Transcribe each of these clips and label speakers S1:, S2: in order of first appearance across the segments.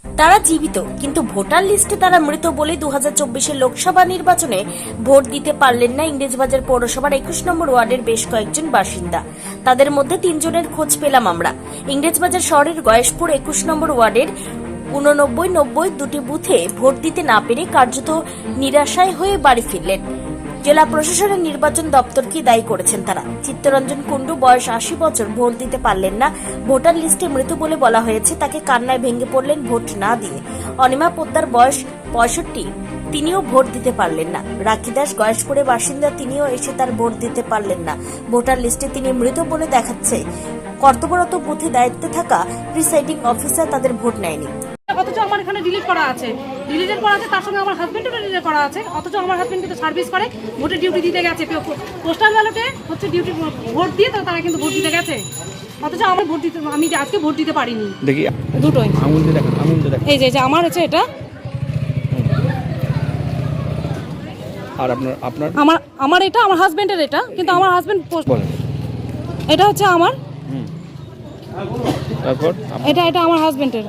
S1: তারা জীবিত, কিন্তু ভোটার লিস্টে তারা মৃত বলে 2024 লোকসভা নির্বাচনে ভোট দিতে পারলেন না ইংরেজবাজার পৌরসভার 21 নম্বর ওয়ার্ডের বেশ কয়েকজন বাসিন্দা। তাদের মধ্যে 3 জনের খোঁজ পেলাম আমরা। ইংরেজবাজার শহরের গয়েশপুর 21 নম্বর ওয়ার্ডের 89, 90 দুটি বুথে ভোট দিতে না পেরে কার্যত নিরাশায় হয়ে বাড়ি ফিরলেন। জেলা প্রশাসনের নির্বাচন দপ্তরকে দায়ী করেছেন তারা। চিত্তরঞ্জন কুণ্ডু, বয়স 80 বছর, ভোট দিতে পারলেন না। ভোটার লিস্টে মৃত বলে বলা হয়েছে। তাকে কান্নায় ভেঙে পড়লেন ভোট না দিয়ে। অনিমা পোদ্দার, বয়স 65, তিনিও ভোট দিতে পারলেন না। রাখি দাস গয়েশপুরের বাসিন্দা, তিনিও এসে তার ভোট দিতে পারলেন না। ভোটার লিস্টে তিনি মৃত বলে দেখাচ্ছে। কর্তব্যরত বুথে দায়িত্বে থাকা প্রিসাইডিং অফিসার তাদের ভোট নেয়নি।
S2: অথচ আমার এখানে ডিলিট করা আছে, তার সঙ্গে আমার হাজবেন্ডেরও ডিলিট করা আছে। অথচ আমার হাজবেন্ড কিন্তু সার্ভিস করে, ভোটে ডিউটি দিতে গেছে। পোস্টাল ব্যালটে হচ্ছে ডিউটি ভোট দিয়ে তো তারা কিন্তু ভোট দিতে গেছে। অথচ আমার ভোট দিতে, আমি আজকে ভোট দিতে পারিনি। দেখি দুটোই আঙুল দিয়ে দেখেন, আঙুল দিয়ে দেখেন। এই যে আমার হচ্ছে এটা, আর আপনার আমার এটা আমার হাজবেন্ডের এটা, কিন্তু আমার হাজবেন্ড বলেন এটা হচ্ছে আমার, তারপর এটা আমার হাজবেন্ডের।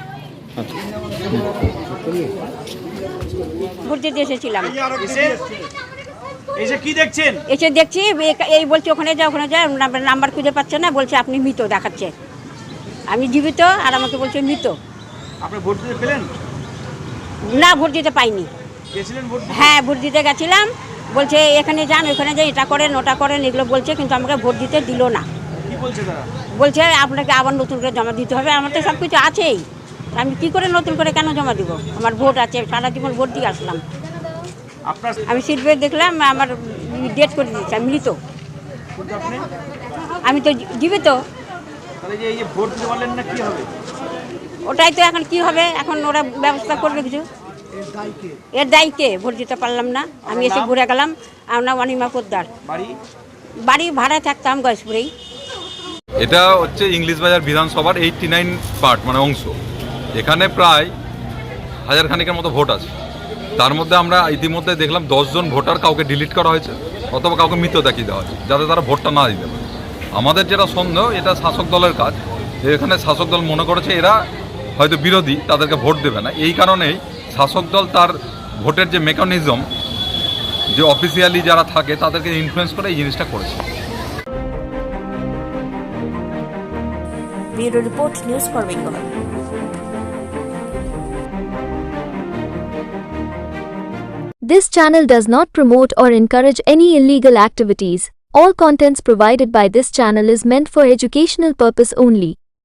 S3: ভোট দিতে এসেছিলাম।
S4: এসে কি দেখছেন?
S3: এসে দেখছি এই বলছে ওখানে যা নাম্বার খুঁজে পাচ্ছে না, বলছে আপনি মৃত দেখাচ্ছে। আমি জীবিত আর আমাকে বলছে মৃত।
S4: আপনি ভোট দিতে পেলেন
S3: না? ভোট দিতে পাইনি।
S4: গেছিলেন ভোট দিতে?
S3: হ্যাঁ, ভোট দিতে গেছিলাম। বলছে এখানে যান, ওখানে যান, এটা করেন ওটা করেন, এগুলো বলছে, কিন্তু আমাকে ভোট দিতে দিল না।
S4: কি বলছে তারা?
S3: বলছে আপনাকে আবার নতুন করে জমা দিতে হবে। আমার তো সব কিছু আছেই, আমি কি করে নতুন করে কেন জমা দিব? আমার ভোট আছে, সারা জীবন ভোট দিয়ে আসলাম।
S4: আপনার
S3: আমি সিলভে দেখলাম, আমার ডেট করে দিয়েছে, আমি মৃত। আমি তো জীবিত।
S4: তাহলে এই যে ভোট দিতে পারলেন না, কি হবে?
S3: ওটাই তো এখন কি হবে, এখন ওরা ব্যবস্থা করবে কিছু। এর দায়ী কে? ভোট দিতে পারলাম না, আমি এসে ঘুরে গেলাম। আমার নাম অনিমা পোদ্দার। বাড়ি ভাড়ায় থাকতাম গয়েশপুরেই।
S5: এটা হচ্ছে ইংলিশবাজার বিধানসভার 89 পার্ট মানে অংশ। এখানে প্রায় 1000 খানিকের মতো ভোট আছে। তার মধ্যে আমরা ইতিমধ্যে দেখলাম 10 জন ভোটার কাউকে ডিলিট করা হয়েছে অথবা কাউকে মৃত দেখিয়ে দেওয়া হয়েছে, যাতে তারা ভোটটা না দিতে পারে। আমাদের যেটা সন্দেহ, এটা শাসক দলের কাজ। এখানে শাসক দল মনে করেছে এরা হয়তো বিরোধী, তাদেরকে ভোট দেবে না। এই কারণেই শাসক দল তার ভোটের যে মেকানিজম, যে অফিসিয়ালি যারা থাকে তাদেরকে ইনফ্লুয়েন্স করে এই জিনিসটা করেছে।
S1: Bureau report, news for Bengal.
S6: This channel does not promote or encourage any illegal activities. All contents provided by this channel is meant for educational purpose only.